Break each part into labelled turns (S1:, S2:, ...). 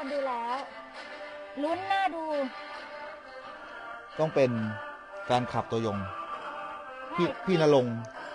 S1: ฟังดูแล้วลุ้นน่าดู
S2: ต้องเป็นแฟนคลับตัวยงพี่ณรงค์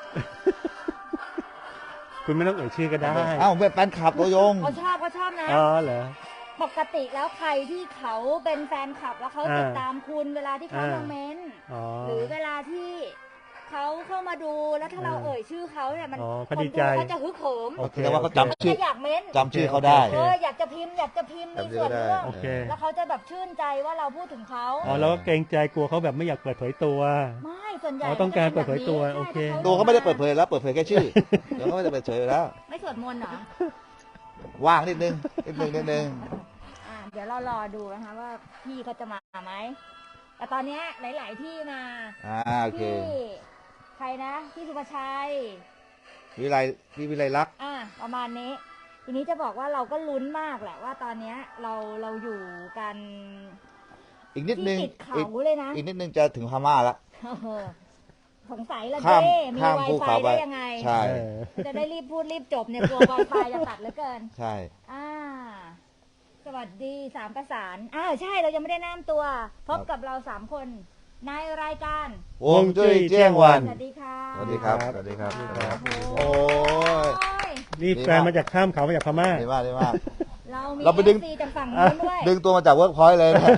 S3: คุณไม่ต้องเอ่ยชื่อก็ได้
S2: เอ้าเป็นแฟนคลับตัวยง
S1: เขาชอบนะ
S3: อ๋อเหรอ
S1: ปกติแล้วใครที่เขาเป็นแฟนคลับแล้วเขาติดตามคุณเวลาที่เขามาเม้นต์
S3: อ๋อ
S1: หรือเวลาที่เขาเข้ามาดูแล้วถ้าเราเอ่ยชื่อเขาเนี่ยมัน
S3: อ๋อ
S1: ค
S3: เขา
S1: น
S3: ดี
S1: ดู
S3: ใจ
S1: เขาจะฮึกเหิม
S3: โอเค
S2: แต่ว่าเขา
S3: โอเค
S2: จำชื่อ
S1: จะอยากเม้นต์
S2: จำชื่อเขาได้
S1: อยากจะพิมพ์มีส่วนร่วม
S3: โอเค
S1: แล้วเขาจะแบบชื่นใจว่าเราพูดถึงเขา
S3: อ๋อแล้วก็เกรงใจกลัวเขาแบบไม่อยากเปิดเผยตัว
S1: ไม่ส่วนใหญ่
S3: อ๋อต้องการเปิดเผยตัวโอเค
S2: ตัวเขาไม่ได้เปิดเผยแล้วเปิดเผยแค่ชื่อเดี๋ยวเขาไม่ได้เปิดเผยแล้ว
S1: ไม่สวดมนต์เหรอ
S2: ว่างนิดนึง
S1: เดี๋ยวเรารอดูนะคะว่าพี่เขาจะมาไหมแต่ตอนเนี้ยหลาย ๆ ที่มา
S2: โอเค
S1: ที่ใครนะพี่สุภชัย
S2: พี่วิไลลักษณ์
S1: ประมาณนี้ ทีนี้จะบอกว่าเราก็ลุ้นมากแหละว่าตอนเนี้ยเราอยู่กัน
S2: อีกนิดนึง
S1: ที่ติดเขาเลยนะ
S2: อีกนิดนึงจะถึงพม่าละ
S1: สงสัยละ
S2: ข้าม
S1: เจ้มี
S2: ข้าม
S1: ไว
S2: ภู
S1: ไฟ
S2: เขาไป
S1: ได้ยังไง
S2: ใช่
S1: จะได้รีบพูดรีบจบเนี่ยกลัวไวไฟจะตัดเหลือเกิน
S2: ใช่
S1: สวัสดีสามประสานใช่เรายังไม่ได้แนะนำตัว พบกับเรา3 คนในรายการ
S2: วงจุ้ยเจียงวัน
S1: สวัสดีค่ะ
S2: สวัสดีครับสวัสดีครับ
S1: โอ้
S2: โอ้ย
S3: นี่แฟนมาจากข้ามเขามาจากพม่า
S2: ดีมากดีมาก
S1: เรา
S2: ไปดึง
S1: FC จากฝั่งนู้นด้วย
S2: ดึงตัวมาจากเวิร์กพอยต์เลยนะ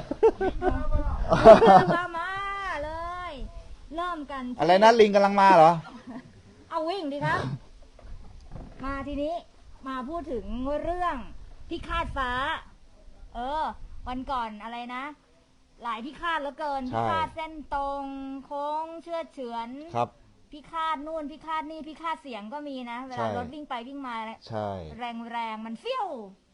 S1: มาเลย เริ่มกันที่
S2: อะไรนะลิงกำลังมาเหรอ
S1: เอาวิ่งดีครับ มาทีนี้มาพูดถึงเรื่องพิฆาตฟ้า วันก่อนอะไรนะ หลายพิฆาตเหลือเกิน
S2: ใช่
S1: พิฆาตเส้นตรงโค้งเชือดเฉือน
S2: ครับ
S1: พิฆาตนู่นพิฆาตนี่พิฆาตเสียงก็มีนะ เว
S2: ใช่
S1: ลารถวิ่งไปวิ่งมา
S2: ใช่
S1: แรงมันเฟี้ยว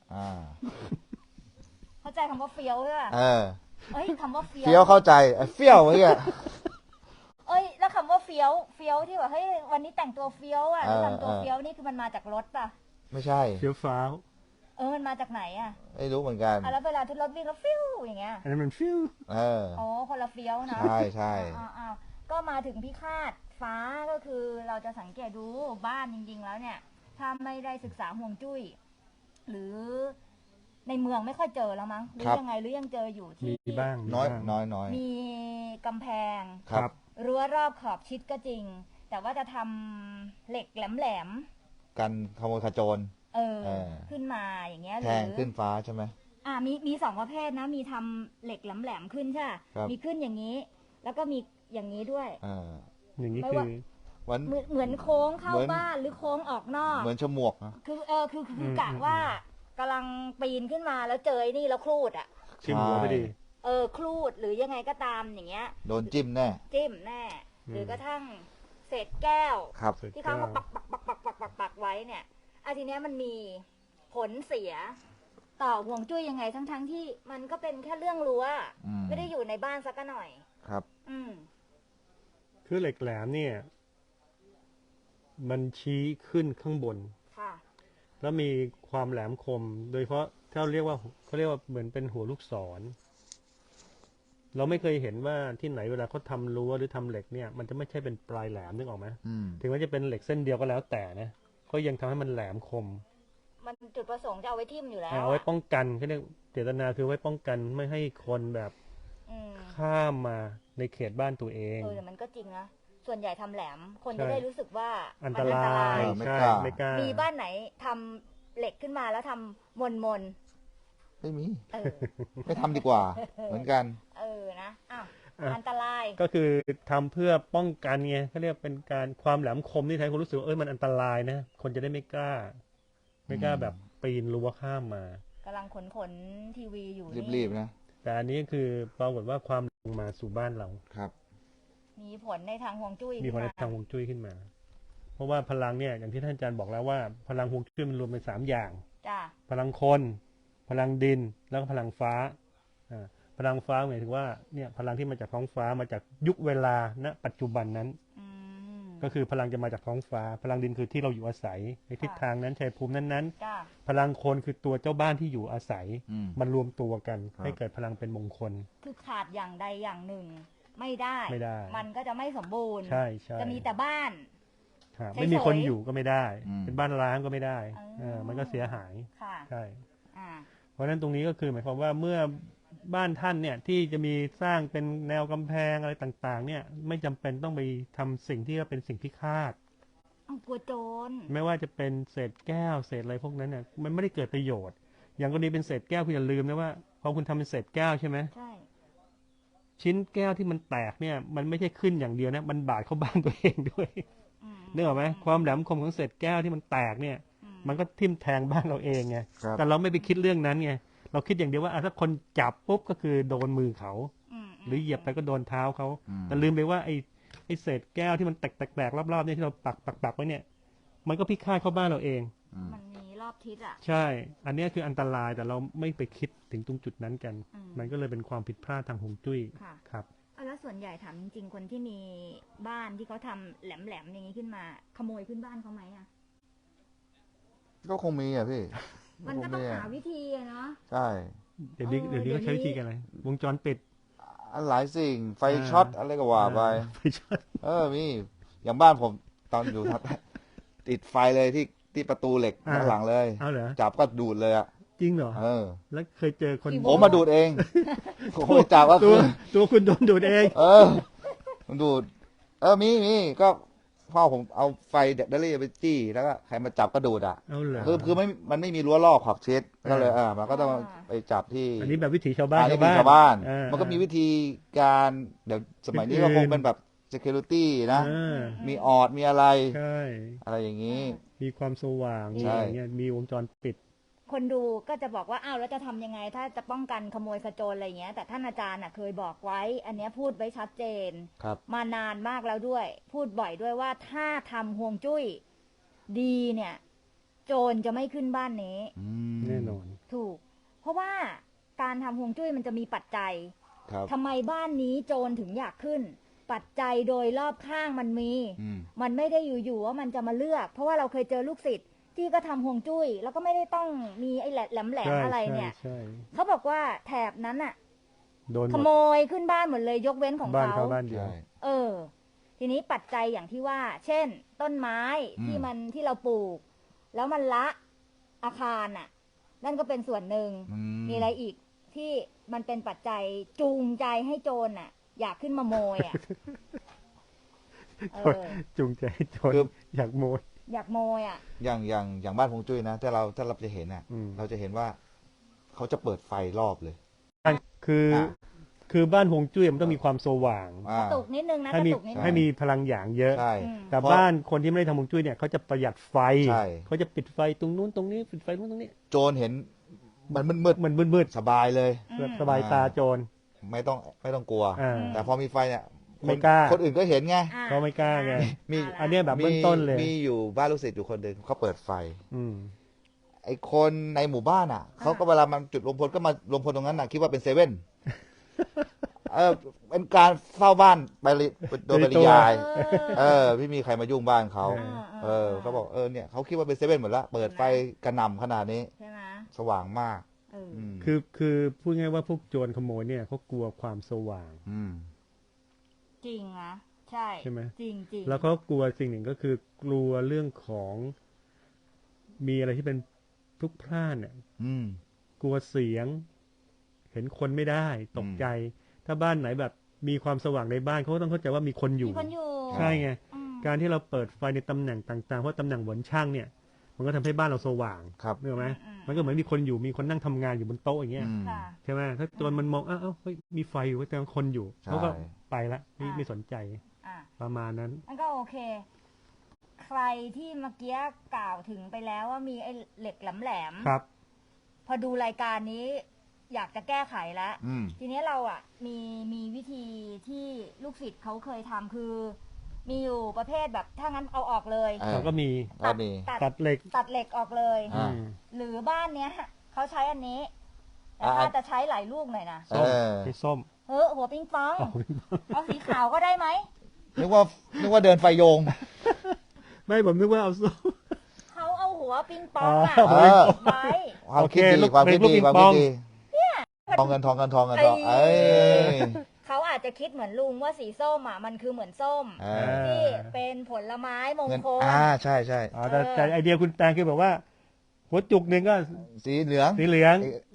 S1: เข้าใจคำว่าเฟี้ยวใช่ป่ะ เอ้ยคำว่าเฟี้ยว
S2: เฟี้ยวเข้าใจไอ้เฟี้ยวเมื่อกี้
S1: เอ้ยแล้วคำว่าเฟี้ยวที่แบบเฮ้ยวันนี้แต่งตัวเฟี้ยวอ่ะแล้ว
S2: เออ
S1: ทำตัวเฟี้ยวนี่คือมันมาจากรถป่ะ
S2: ไม่ใช่
S3: เฟี้ยวฟ้าว
S1: มันมาจากไหนอ่ะ
S2: ไม่รู้เหมือนกัน
S1: แล้วเวลาที่รถวิ่งแล้วฟิวอย่างเงี้ย
S3: อันนั้นมันฟิว
S1: คนละเฟี้ยวนะ
S2: ใช่ใช่
S1: ก็มาถึงพิฆาตฟ้าก็คือเราจะสังเกตดูบ้านจริงๆแล้วเนี่ย ถ้าไม่ได้ศึกษาห่วงจุ้ยหรือในเมืองไม่ค่อยเจอแล้วมั้งหรือยังไงหรือยังเจออยู่ที่
S3: มีบ้าง
S2: น้อย
S3: บ้าง
S2: น้อย
S1: มีกำแพง
S2: ครับ
S1: รั้วรอบขอบชิดก็จริง แต่ว่าจะทำเหล็กแหลม
S2: กันขโมยขโจร
S1: ขึ้นมาอย่างเงี้ยห
S2: แท
S1: รื
S2: งขึ้นฟ้าใช่ไหม
S1: มี2 ประเภทนะ มีทำเหล็กแหลมๆขึ้นใช่
S2: ครับ
S1: มีขึ้นอย่างนี้ แล้วก็มีอย่างนี้ด้วย
S3: อย่างนี้
S1: ไม่
S3: คือ
S1: ว่า
S2: วัน
S1: เหมือนโค้งเข้า
S2: เหมือน
S1: บ้านหรือโค้งออกนอก
S2: เหมือนฉมวกนะ
S1: คือกะว่ากำลังปีนขึ้นมาแล้วเจอไอ้นี่แล้วครูดอ่ะ
S3: ชิมหัวพอดี
S1: ครูดหรือยังไงก็ตามอย่างเงี้ย
S2: โดนจิ้มแน่
S1: จิ้มแน่ หรือกระทั่งเศษแก้ว
S2: ครับ
S1: ที่เขามาปักไว้เนี่ยทีเนี้ยมันมีผลเสีย ต่อห่วงจุ้ยยังไงทั้งที่มันก็เป็นแค่เรื่องรั้วไม่ได้อยู่ในบ้านสักหน่อย
S2: ครับ
S3: คือเหล็กแหลมเนี่ย มันชี้ขึ้นข้างบน
S1: ค่ะ
S3: แล้วมีความแหลมคม โดยเฉพาะถ้าเขาเรียกว่าเหมือนเป็นหัวลูกศร เราไม่เคยเห็นว่าที่ไหนเวลาเขาทำรั้วหรือทำเหล็กเนี่ย มันจะไม่ใช่เป็นปลายแหลมนึกออกไหมถึงแม้จะเป็นเหล็กเส้นเดียวก็แล้วแต่นะก็ยังทำให้มันแหลมคม
S1: มันจุดประสงค์จะเอาไว้ทิ่มอยู่แล้ว
S3: เอาไว้ป้องกันเขาเรียกเจตนาคือไว้ป้องกันไม่ให้คนแบบข้ามมาในเขตบ้านตัวเอง
S1: แต่มันก็จริงนะส่วนใหญ่ทำแหลมคน
S3: ใช่
S1: จะได้รู้สึกว่า
S3: อัน
S1: มั
S3: ตราย
S2: ไม่
S3: ใช่
S2: กล้า
S3: ไม่กล้า
S1: มีบ้านไหนทำเหล็กขึ้นมาแล้วทำมน
S2: ไม่มี
S1: เออ
S2: ไม่ทำดีกว่า เหมือนกัน
S1: นะอันตราย
S3: ก็คือทำเพื่อป้องกันไงเขาเรียกเป็นการความแหลมคมที่ทำให้คนรู้สึกว่ามันอันตรายนะคนจะได้ไม่กล้าแบบปีนรั้วข้ามมาก
S1: ำลังขนทีวีอยู่
S2: รีบๆนะ
S3: แต่อันนี้คือปรากฏว่าความลงมาสู่บ้านเรา
S2: ครับ
S1: มีผลในทางฮวงจุ้ย
S3: มีผลในทางฮวงจุ้ยขึ้นมา เพราะว่าพลังเนี่ยอย่างที่ท่านอาจารย์บอกแล้วว่าพลังฮวงจุ้ยมันรวมเป็น3 อย่าง
S1: จ้ะ
S3: พลังคน พลังดินแล้วก็พลังฟ้าพลังฟ้าหมายถึงว่าเนี่ยพลังที่มาจากท้องฟ้ามาจากยุคเวลาณปัจจุบันนั้นก็คือพลังจะมาจากท้องฟ้า พลังดินคือที่เราอยู่อาศัยในทิศทางนั้นชัยภูมินั้นๆพลังคนคือตัวเจ้าบ้านที่อยู่อาศัยมันรวมตัวกันให้เกิดพลังเป็นมงคล
S1: คือขาดอย่างใดอย่างหนึ่งไม่ได้ มันก็จะไม่สมบูรณ์
S3: ใช่
S1: จะมีแต่บ้าน
S3: ไม่มีคนอยู่ก็ไม่ได้
S2: อืม
S3: เป็นบ้านร้างก็ไม่ได้มันก็เสียหาย
S1: ค่ะ
S3: ใช่เพราะฉะนั้นตรงนี้ก็คือหมายความว่าเมื่อบ้านท่านเนี่ยที่จะมีสร้างเป็นแนวกำแพงอะไรต่างๆ เนี่ยไม่จำเป็นต้องไปทำสิ่งที่เป็นสิ่งพิฆาต
S1: เอากลัวโจร
S3: ไม่ว่าจะเป็นเศษแก้วเศษอะไรพวกนั้นเนี่ยมันไม่ได้เกิดประโยชน์ อย่างกรณีเป็นเศษแก้วคุณอย่าลืมนะว่าพอคุณทำเป็นเศษแก้วใช่ไหม
S1: ใช่
S3: ชิ้นแก้วที่มันแตกเนี่ยมันไม่ใช่ขึ้นอย่างเดียวนะมันบาดเข้าบ้านตัวเองด้วย
S1: อืม
S3: นึกออกไหมความแหลมคมของเศษแก้วที่มันแตกเนี่ย
S1: อืม
S3: มันก็ทิ่มแทงบ้านเราเองไง
S2: ครับ
S3: แต่เราไม่ไปคิดเรื่องนั้นไงเราคิดอย่างเดียวว่าถ้าคนจับปุ๊บก็คือโดนมือเขา
S1: ม
S3: หรือเหยียบไปก็โดนเท้าเขา
S2: อืม
S3: แต่ลืมไปว่าไอ้เศษแก้วที่มันแตกๆรอบๆเนี่ยที่เราปักไว้เนี่ย มันก็พิฆาตเข้าบ้านเราเอง
S1: มันมีรอบทิศอ่ะ
S3: ใช่ อันเนี้ยคืออันตรายแต่เราไม่ไปคิดถึงตรงจุดนั้นกัน
S1: อืม
S3: มันก็เลยเป็นความผิดพลาดทางฮวงจุ้ย
S1: ค่ะ
S3: ครับ
S1: แล้วส่วนใหญ่ถามจริงๆ คนที่มีบ้านที่เขาทำแหลมๆอย่างนี้ขึ้นมา ขโมยขึ้นบ้านเขาไหมอ่ะ
S2: ก็คงมีอ่ะพี่
S1: มันก็ต้อง
S2: ค
S1: หาวิธีอะเนาะ
S2: ใช่
S3: เดี๋ยวนี้
S1: เดี๋
S3: เดี๋
S1: ย
S3: ยว วนี้ก็ใช้
S1: นี้
S3: วิธีกันอะไรวงจรปิด
S2: อันหลายสิ่งไฟช็อตอะไรก็ว่าไป
S3: ไฟช็อต
S2: มีอย่างบ้านผมตอนอยู่ ติดไฟเลยที่ประตูเหล็กด้านหลังเลย
S3: เอาเหรอ
S2: จับก็ดูดเลยอ่ะ
S3: จริงเหรอ แล้วเคยเจอคน
S2: ผมมาดูดเอง ผมไม่จับก็
S3: ตั
S2: คื
S3: ว
S2: อ
S3: ตัวคุณโดนดูดเอง
S2: มันดูด มีก็พ่อผมเอาไฟแบตเตอรี่ไปจี้แล้วก็ใครมาจับก็ดูดอ่ะ
S3: เอาเหรอ
S2: คือมันไม่มีรั้วรอบขอบชิดก็เลยมันก็ต้องไปจับที่
S3: อันนี้แบบวิถีชาวบ้าน
S2: อันนี้มีชาวบ้าน
S3: เออ
S2: มันก็มีวิธีการเดี๋ยวสมัยนี้ก็คงเป็นแบบ security นะ
S3: เออ
S2: มีออดมีอะไร
S3: ใช่
S2: อะไรอย่างนี้
S3: มีความสว่างมี
S2: ใช่
S3: อะไรเงี้ยมีวงจรปิด
S1: คนดูก็จะบอกว่าอ้าวแล้วจะทำยังไง ถ้าจะป้องกันขโมยขโจรอะไรอย่างเงี้ย แต่ท่านอาจารย์เคยบอกไว้ อันเนี้ยพูดไว้ชัดเจน
S2: ครับ
S1: มานานมากแล้วด้วย พูดบ่อยด้วยว่าถ้าทำห่วงจุ้ยดีเนี่ย โจรจะไม่ขึ้นบ้านนี้
S3: แน่นอน
S1: ถูก เพราะว่าการทำห่วงจุ้ยมันจะมีปัจจัย
S2: ครับ
S1: ทำไมบ้านนี้โจรถึงอยากขึ้น ปัจจัยโดยรอบข้างมันมี
S2: อืม
S1: มันไม่ได้อยู่ๆว่ามันจะมาเลือก เพราะว่าเราเคยเจอลูกศิษย์ที่ก็ทำห่วงจุ้ย แล้วก็ไม่ได้ต้องมีไอ้แหลม
S3: ใช่
S1: ๆอะไรเนี่ย
S3: ใช่
S1: เขาบอกว่าแถบนั้นอะ
S3: โดนห
S1: ข
S3: ม
S1: โม
S3: ด
S1: ยขึ้นบ้านหมดเลยยกเว้นของ
S3: บ้าน
S1: เขา
S3: เขาบ้านเดียว
S2: ใช่
S1: เออ ทีนี้ปัจจัยอย่างที่ว่า เช่น ต้นไม้
S2: อืม
S1: ที่เราปลูก แล้วมันละอาคารน่ะ นั่นก็เป็นส่วนหนึ่ง มีอะไรอีกที่มันเป็นปัจจัยจูงใจให้โจรน่ะ อยากขึ้นมาโมยอ่ะ เออ
S3: จูงใจให้โจร
S2: คือ
S3: อยากโมย
S1: อยากโมยอ่ะ
S2: อย่างบ้านพงจุ้ยนะถ้าเราจะเห็นอ่ะ
S3: อืม
S2: เราจะเห็นว่าเขาจะเปิดไฟรอบเลย
S3: คือ
S2: อ่ะ
S3: คือบ้านฮวงจุ้ยมันต้องมีความสว่าง
S1: กระตุกนิดนึงนะ
S3: ให้
S1: กระ
S3: มี
S1: ตุกนิดนึ
S3: ให้
S1: ง
S3: มีพลังหยางเยอะ
S2: ใช่
S1: อืม
S3: แต่
S2: เพราะ
S3: บ้านคนที่ไม่ได้ทำฮวงจุ้ยเนี่ยเขาจะประหยัดไฟ
S2: ใช่
S3: เขาจะปิดไฟตรงนู้นตรงนี้ปิดไฟตรงนู้นตรงนี้
S2: โจรเห็นมันมืด
S3: มันมืด
S2: ๆสบายเลย
S3: ๆแบบสบายตาโจร
S2: ไม่ต้องกลัว
S3: อ่า
S2: แต่พอมีไฟเนี่ย
S3: ไม่กล้า
S2: คนอื่นก็เห็นไง
S1: อ่ะ
S3: เขาไม่กล้าไง
S2: มี
S3: อันเนี้ยแบบเบื้องต้นเลย
S2: มีอยู่บ้านลูกศิษย์อยู่คนหนึ่งเขาเปิดไฟ
S3: อืม
S2: ไอ้คนในหมู่บ้านอ่ะเขาก็เวลามันจุดรวมพลก็มารวมพลตรงนั้นน่ะคิดว่าเป็นเซเว่น เป็นการเฝ้าบ้านไปโดยปริยาย ไม่มีใครมายุ่งบ้านเขา เขาบอกเนี่ยเขาคิดว่าเป็นเซเว่นหมดละเปิดไฟกระหน่ำขนาดนี้
S1: ใช่ไหม
S2: สว่างมาก
S1: เออ
S2: ม
S3: คือพูดง่ายว่าพวกโจรขโมยเนี่ยเขากลัวความสว่าง
S2: ม
S1: จริงนะใช่
S3: ใช่ไหม
S1: จริงจริง
S3: แล้วก็กลัวสิ่งหนึ่งก็คือกลัวเรื่องของมีอะไรที่เป็นพลุกพล่านเนี่ย
S2: อืม
S3: กลัวเสียง เห็นคนไม่ได้ตกใจ ถ้าบ้านไหนแบบมีความสว่างในบ้านเขาก็ต้องเข้าใจว่ามีคนอยู่
S1: มีคนอยู่
S3: ใช่ไง
S1: อืม
S3: การที่เราเปิดไฟในตำแหน่งต่างๆเพราะตำแหน่งหวนช่างเนี่ย มันก็ทำให้บ้านเราสว่าง
S2: ครับ
S3: นึกออกไหมมันก็เหมือนมีคนอยู่มีคนนั่งทำงานอยู่บนโต๊ะอย่างเงี้ย
S2: อืม
S1: ค่ะ
S3: ใช่ไหมถ้าโจรมันมองอ้าวเฮ้ยมีไฟอยู่แต่คนอยู่
S2: ใช่
S3: เขาก็ไปละไม่สนใจ
S1: อ่ะ
S3: ประมาณนั้น
S1: มันก็โอเค ใครที่เมื่อกี้กล่าวถึงไปแล้วว่ามีไอ้เหล็กแหลมๆ
S3: ครับ
S1: พอดูรายการนี้อยากจะแก้ไขแล้ว
S2: อืม
S1: ทีนี้เราอ่ะมีวิธีที่ลูกศิษย์เขาเคยทำคือ มีอยู่ประเภทแบบถ้างั้นเอาออกเลย
S3: เขาก็มี
S2: ก็มี
S3: ตัดเหล็ก
S1: ตัดเหล็กออกเลย
S2: อ่า
S3: อืม
S1: หรือบ้านเนี้ยเขาใช้อันนี้ แต่
S2: อ่า
S1: ถ้าจะใช้หลายลูกหน่อยนะ
S3: ส้ม
S2: เออ
S3: ไอ้ส้ม
S1: หัวปิงปอง เอาสีขาวก็ได้ไหม
S2: นึกว่าเดินไฟโยง
S3: ไม่ผมนึกว่าเอาส้ม
S1: เขาเอาหัวปิงปองอะ
S3: อ๋อ
S2: เออ
S1: ไว้
S2: ความคิด
S3: โอเค
S2: ดีความคิด
S3: ลูก
S2: ดี
S3: ปิง
S2: ความ
S3: ป
S2: คิ
S3: อ
S2: ด
S3: ง
S2: ดีทองเงินเอ้ย
S1: เขาอาจจะคิดเหมือนลุงว่าสีส้มอ่ะมันคือเหมือนส้ม
S2: เออ
S1: ที่เป็นผลไม้มง
S2: เงิน
S1: คล
S2: ใช่
S3: แต่ไอเดียคุณแตงคือแบบว่า หัวจุกหนึ่งก็
S2: สีเหลือง
S3: สีเหลือง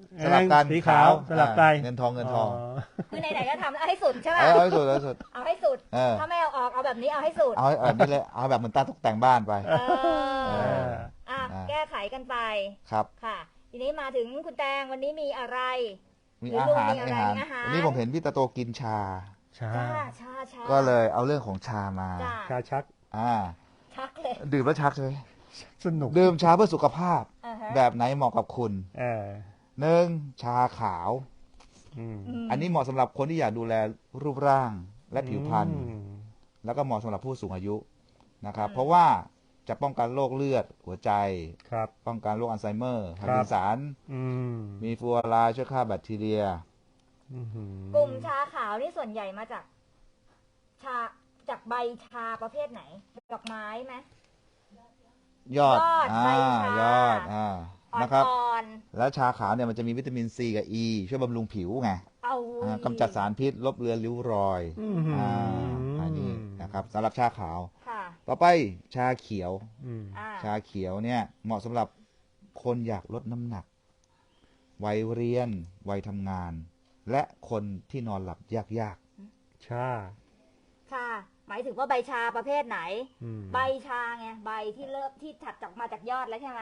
S2: สลับกัน
S3: สีขาวสลับไป
S2: เงินทองเงินทอง
S1: คือไหนๆก็ทำเอาให้สุดใช่ไหม
S2: เอาให้สุดเอาให้สุด
S1: เอาให้สุด
S2: เออ
S1: ถ้าไม่เอาออกเอาแบบนี้เอาให้สุด
S2: เอาให้แบบนี้เลยเอาแบบเหมือนตาตกแต่งบ้านไป
S1: เออ
S2: เออ
S1: อ่ะ
S2: อ่ะ
S1: แก้ไขกันไป
S2: ครับ
S1: ค่ะ ทีนี้มาถึงคุณแตงวันนี้มีอะไร
S2: มีอาหาร
S1: มีอะไรมีอาหาร
S2: วันนี้ผมเห็นพี่ตาโตกินชา
S3: ชา
S1: ชา
S2: ก็เลยเอาเรื่องของชามา
S1: จ้า
S3: ชาชัก
S1: ชักเลย
S2: ดื่มแล้วชักใช่ไหม
S3: สนุก
S2: ดื่มชาเพื่อสุขภาพ
S1: อ่าฮะ
S2: แบบไหนเหมาะกับคุณ
S3: เออ
S2: หนึ่งชาขาว
S3: อืม
S2: อันนี้เหมาะสำหรับคนที่อยากดูแลรูปร่างและผิวพรรณ
S3: อืม
S2: แล้วก็เหมาะสำหรับผู้สูงอายุนะครับ เพราะว่าจะป้องกันโรคเลือดหัวใจ
S3: ครับ
S2: ป้องกันโรคอัลไซเมอร์
S3: ครั
S2: พา
S3: บ
S2: ร์กินสัน
S3: อืม
S2: มีฟลูออไรด์ช่วยฆ่าแบคทีเรีย
S3: อื้อหือก
S1: ลุ่มชาขาวนี่ส่วนใหญ่มาจาก ชาจากใบชาประเภทไหนดอกไม้ไหม
S2: ยอด
S1: ยอดใบชาย
S2: อดนะครับ
S1: อ่อน
S2: แล้วชาขาวเนี่ยมันจะมีวิตามินซีกับอีช่วยบำรุงผิวไง
S1: ๆเอา
S2: กำจัดสารพิษลบเลือนริ้วรอย
S3: อื้อหือ
S2: อันนี้นะครับสำหรับชาขาว
S1: ค่ะ
S2: ต่อไปชาเขียว
S3: อืม
S1: อ่า
S2: ชาเขียวเนี่ยเหมาะสำหรับคนอยากลดน้ำหนัก วัยเรียน วัยทำงาน และคนที่นอนหลับยาก
S3: ชา
S1: ชา หมายถึงว่าใบชาประเภทไหน
S3: อืม
S1: ใบชาไงใบที่เริ่มที่ถัดจากมาจากยอดแล้วใช่ไหม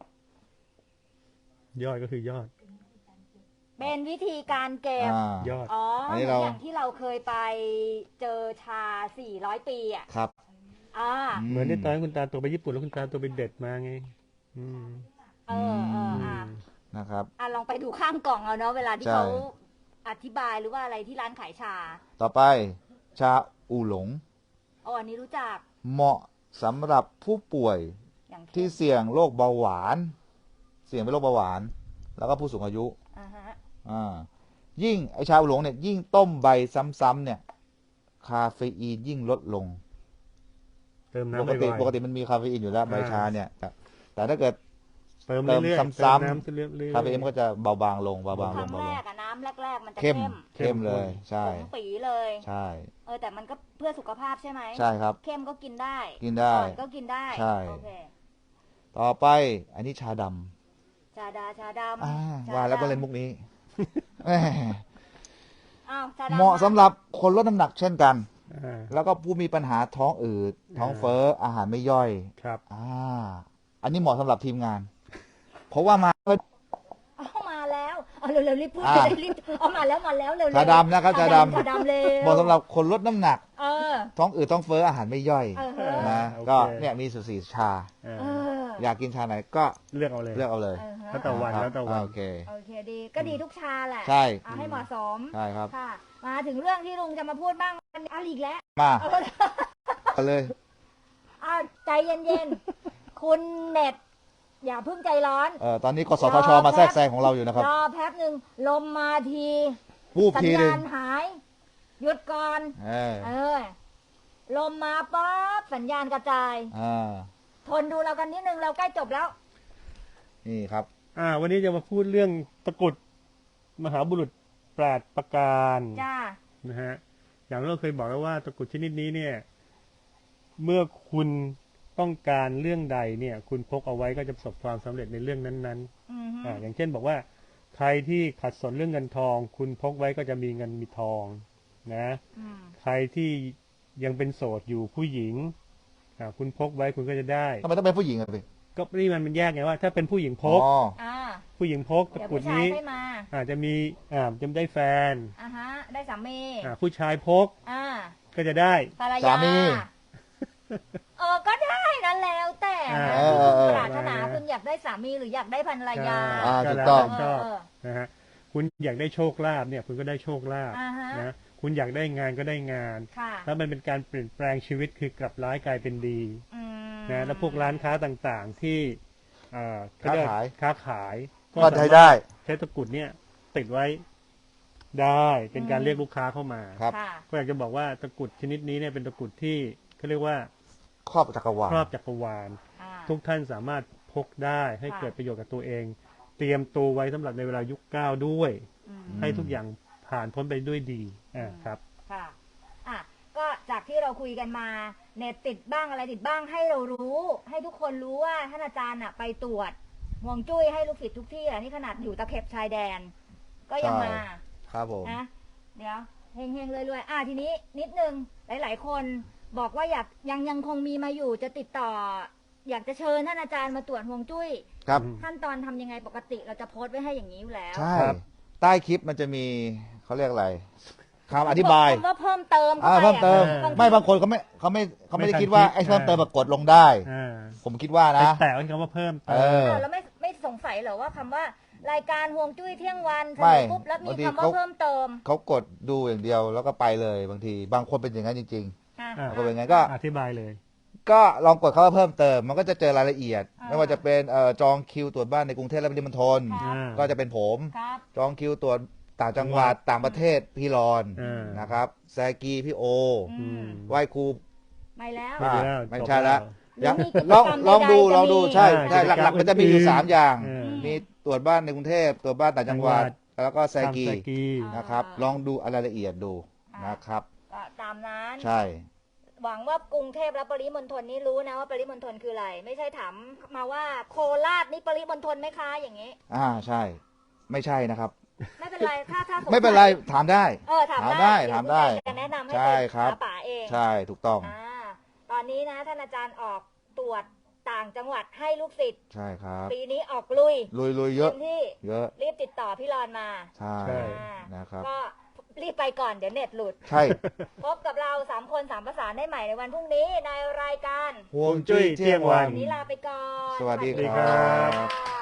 S3: ยอดก็คือยอด
S1: เป็นวิธีการเก็
S2: ๆ
S1: บ
S3: ยอด
S1: อ๋อ
S2: อัน
S1: เห
S2: นี้
S1: มือน
S2: เรา
S1: อย่างที่เราเคยไปเจอชา 400 ปีอ่ะ
S2: ครับ
S1: อ่า
S3: เหมือนที่ตอนนั้นคุณตาตัวไปญี่ปุ่นแล้วคุณตาตัวไปเด็ดมาไง อืม
S2: นะครับ
S1: ลองไปดูข้างกล่องเอาเนาะเวลาที่
S2: ใช่
S1: เขาอธิบายหรือว่าอะไรที่ร้านขายชา
S2: ต่อไปชาอูหลง
S1: อ๋ออันนี้รู้จัก
S2: เหมาะสำหรับผู้ป่วย
S1: อย่างเช่น
S2: ที่เสี่ยงโรคเบาหวาน เสี่ยงเป็นโรคเบาหวาน แล้วก็ผู้สูงอายุ
S1: อ่าฮะ
S2: ยิ่งไอชาอูหลงเนี่ยยิ่งต้มใบซ้ำๆเนี่ย คาเฟอีนยิ่งลดลง
S3: เติม
S2: ป
S3: น้ำ
S2: กติ
S3: บ่อยๆ
S2: ปกติมันมีคาเฟอีนอยู่แล้วใบชาเนี่ย แต่ถ้าเกิด
S3: เติมเรื่อยๆ
S2: เติม
S3: เติม
S2: ซ้ำๆ
S3: น้ำเรื่อยๆ
S2: คาเฟอีนมันก็จะเบาบางลงเบาบาง
S1: ค
S2: ล
S1: รั้
S2: ง
S1: ง
S2: เบา
S1: แร
S2: บาง
S1: กอะน้ำแรกๆมันจะ
S2: เข้ม
S1: เข้ม
S2: เลย ใช่
S1: ผงปีเลย
S2: ใช่
S1: แต่มันก็เพื่อสุขภาพใช่ไหม
S2: ใช่ครับ
S1: เข้มก็กินได้
S2: กินได้
S1: อ่อนก็กินได้
S2: ใช่
S1: โอเค
S2: ต่อไป อันนี้ชาดำ
S1: ชาดำช
S2: ว่าแล้วก็
S1: ดำ
S2: เล่นมุกนี้ แหม
S1: อ้าวชาดำ
S2: เหมาะสำหรับคนลดน้ำหนักเช่นกัน
S3: อ่า
S2: แล้วก็ผู้มีปัญหาท้องอืดท้องเฟ้ออาหารไม่ย่อย
S3: ครับ
S2: อันนี้เหมาะสำหรับทีมงาน เพราะว่ามา
S1: เอามาแล้วเอาเร็วๆรีบพูด
S2: อ่า
S1: รีบเอามาแล้วเร็วๆ
S2: ชาดำนะครับชาดำ
S1: ชาดำเร็ว
S2: เหมาะสำหรับคนลดน้ำหนัก
S1: เออ
S2: ท้องอืดท้องเฟ้ออาหารไม่ย่อย
S1: เออ
S2: นะ
S3: โอเค
S2: ก็เนี่ยมีสุสีชา
S3: อ่า
S1: เออ
S2: อยากกินชาไหนก็
S3: เลือกเอาเลย
S2: เลือกเอาเลย
S1: เออฮะ
S3: แล้วแต่วัน
S2: ครับ
S3: แล้วแต่วัน
S2: โอเค
S1: โอเคดีก็ดีทุกชาแหละ
S2: ใช่
S1: เอาให้เหมาะสม
S2: ใช่ครับ
S1: ค่ะ มาถึงเรื่องที่ลุงจะมาพูดบ้างเอาอีกแล้ว
S2: มา
S1: เอา
S2: เอาเลย
S1: เอาใจเย็นๆ คุณเน็ต อย่าเพิ่งใจร้อน
S2: ตอนนี้กสทชมาแทรกแซงของเราอยู่นะครับ
S1: รอแป๊บหนึ่งลมมาที
S2: วูบ
S1: สัญ
S2: ทีหนึ่
S1: ญาง ณหาย หยุดก่อน
S2: เออ
S1: เออ ลมมาป๊บสัญญาณกระจาย ทนดูเรากันนิดนึงเราใกล้จบแล้ว
S2: นี่ครับ
S3: วันนี้จะมาพูดเรื่องตะกรุดมหาบุรุษ8ประการ
S1: จ้า
S3: นะฮะ อย่างเราเคยบอกแล้วว่าตะกรุดชนิดนี้เนี่ย เมื่อคุณต้องการเรื่องใดเนี่ย คุณพกเอาไว้ก็จะประสบความสำเร็จในเรื่องนั้น
S1: อือฮึ
S3: ๆอย่างเช่นบอกว่า ใครที่ขัดสนเรื่องเงินทอง คุณพกไว้ก็จะมีเงินมีทอง นะ
S1: อืม
S3: ใครที่ยังเป็นโสดอยู่ผู้หญิงคุณพกไว้คุณก็จะได้
S2: ทำไมต้องเป็นผู้หญิงอ่ะพี่
S3: ก็นี่มันแยกไงว่า ถ้าเป็นผู้หญิงพก
S1: อ่า
S3: ผู้หญิงพกตะ
S1: เดี๋ยว
S3: กรุด
S1: ผู้ชาย
S3: นี้
S1: ให้มา
S3: อาจจะมีจะได้แฟน
S1: อ่าฮะ ได้สามี
S3: ผู้ชายพก
S1: อ่า
S3: ก็จะได้
S1: ภรร
S2: สาย
S1: า
S2: มี
S1: ก็ได้นั่นแล้วแต่นะ
S3: เอ
S1: ที่
S2: อ
S1: คุณ
S2: เออ
S1: ปรารถนาคุณอยากได้สามีหรืออยากได้ภรรยา
S2: ถูกต้อง
S3: ชอบ
S1: เออ
S3: นะฮะคุณอยากได้โชคลาภเนี่ย คุณก็ได้โชคลาภ
S1: อ่าฮะ
S3: นะคุณอยากได้งานก็ได้งาน
S1: ค่ะ
S3: แล้วมันเป็นการเปลี่ยนแปลงชีวิตคือกลับร้ายกลายเป็นดี
S1: อืม
S3: นะแล้วพวกร้านค้าต่างๆที่เขเรีก
S2: ค้าขาย
S3: ค้าขาย
S2: ก็ใช้ได้
S3: ใช้ตะกรุดเนี่ยติดไว้ได้เป็นการเรียกลูกค้าเข้ามา
S2: ครับ
S1: ค่ะ
S3: ก็อยากจะบอกว่าตะกรุดชนิดนี้เนี่ยเป็นตะกรุดที่เขาเรียกว่า
S2: ครอบจักรวาล
S3: ครอบจักรวาล
S1: อ่า
S3: ทุกท่านสามารถพกได้ให้
S1: ค่ะ
S3: เกิดประโยชน์กับตัวเอง เตรียมตัวไว้สำหรับในเวลายุคเก้าด้วย
S1: อืม
S3: ให้ทุกอย่างผ่านพ้นไปด้วยดีครับ
S1: ค่ะ อ่ะ ก็จากที่เราคุยกันมา เน็ตติดบ้างอะไรติดบ้างให้เรารู้ ให้ทุกคนรู้ว่าท่านอาจารย์อ่ะไปตรวจห่วงจุ้ยให้ลูกศิษย์ทุกที่อะที่ขนาดอยู่ตะเข็บชายแดน ก็ยังมา
S2: ครับผม
S1: นะเดี๋ยวเฮงๆรวยๆทีนี้นิดนึงหลายๆคนบอกว่าอยากยังคงมีมาอยู่จะติดต่อ อยากจะเชิญท่านอาจารย์มาตรวจห่วงจุ้ย
S2: ครับ
S1: ขั้นตอนทำยังไงปกติเราจะโพสต์ไว้ให้อย่างนี้อยู่แล้ว
S2: ใช่
S3: ครับ
S2: ใต้คลิปมันจะมีเขาเรียกอะไรคำอธิบาย
S1: คำว่าเพิ่มเติมข้าไป
S2: เพิ่มเติม
S1: อะ
S2: ไม่บางคนเขาไม่ได้คิดว่า
S3: ไม่ทันคิด
S2: ไอ้เพิ่มเติมแบบกดลงได้
S3: อ่า
S2: ผมคิดว่านะ
S3: แต่ว่าคำว่าเพิ่มเติ
S2: เอ
S3: ม
S2: อ
S1: แล้วไม่สงสัยเหรอว่าคำว่ารายการห่วงจุ้ยเที่ยงวันเสน
S2: ไม่
S1: อปุ๊บแล้วมี
S2: บางที
S1: คำว่า
S2: เขา
S1: เพิ่มเติม
S2: เขากดดูอย่างเดียวแล้วก็ไปเลยบางที บางคนเป็นอย่างนั้นจริง
S1: อ่ะ
S3: อ่ะ
S2: ๆบางคนเป็นอย่างนั้นก็
S3: อธิบายเลย
S2: ก็ลองกดคำว่าเพิ่มเติม มันก็จะเจอรายละเอียด
S1: อ่า
S2: ไม่ว่าจะเป็นจองคิวตรวจบ้านในกรุงเทพและปริมณฑล
S1: ครับ
S2: ก็จะเป็นผม
S1: ครับ
S2: จองคิวตรวจต่างจังหวัดต่างประเทศพี่รอน
S3: อ่าน
S2: นะครับแซกีพี่โอ
S1: อืม
S2: ไหว้ครู
S1: ไม่แล้ว
S3: ไม่ได้แล้ว
S2: ไม่
S3: จบ
S2: ใช่ละ
S1: หรือ
S2: ยัง
S1: มีกิจ
S2: ลอง
S1: กรรม
S2: ลองดู
S1: ใดๆ
S2: ลองดู
S1: จะมี
S2: ใช่
S3: อ่า
S2: ใช่
S3: กิจกรรม
S2: หลักๆมันจะมีอยู่
S3: อื่น
S2: 3 อย่าง
S3: อืม
S2: มีตรวจบ้านในกรุงเทพตรวจบ้านต่างจังหวัด แล้วก็แซกี
S3: ทำแซกี
S2: นะครับ ลองดูรายละเอียดดูนะครับ
S1: ก็ตามนั้น
S2: ใช่
S1: หวังว่ากรุงเทพและปริมณฑลนี่รู้นะว่าปริมณฑลคืออะไร ไม่ใช่ถามมาว่าโคราชนี่ปริมณฑลไหมคะอย่างนี้
S2: ใช่ ไม่ใช่นะครับ
S1: ไม่เป็นไรถ้าสงสัย
S2: ไม่เป็นไรถามได้
S1: ถาม
S2: ถาม
S1: ได้
S2: ได้ถามได้
S1: เยวคุณจะแนะนำให้
S2: ใช่
S1: ไป
S2: ครับ
S1: หาป่าเอง
S2: ใช่ถูกต้อง
S1: ตอนนี้นะท่านอาจารย์ออกตรวจต่างจังหวัดให้ลูกศิษย์
S2: ใช่ครับ
S1: ปีนี้ออกลุย
S2: ลุยเยอะ
S1: เต็มที่
S2: เยอะ
S1: รีบติดต่อพี่รอนมา
S2: ใช่
S3: ใช่
S2: นะครับ
S1: ก็รีบไปก่อนเดี๋ยวเน็ตหลุด
S2: ใช่
S1: พบกับเรา3 คน3 ประสานได้ใหม่ในวันพรุ่งนี้ในรายการ
S2: ห่วงจุ้ยเที่ยงวัน
S1: วันนี้ลาไปก่อน
S2: สวัสดี
S3: ครับ
S1: สวัสดี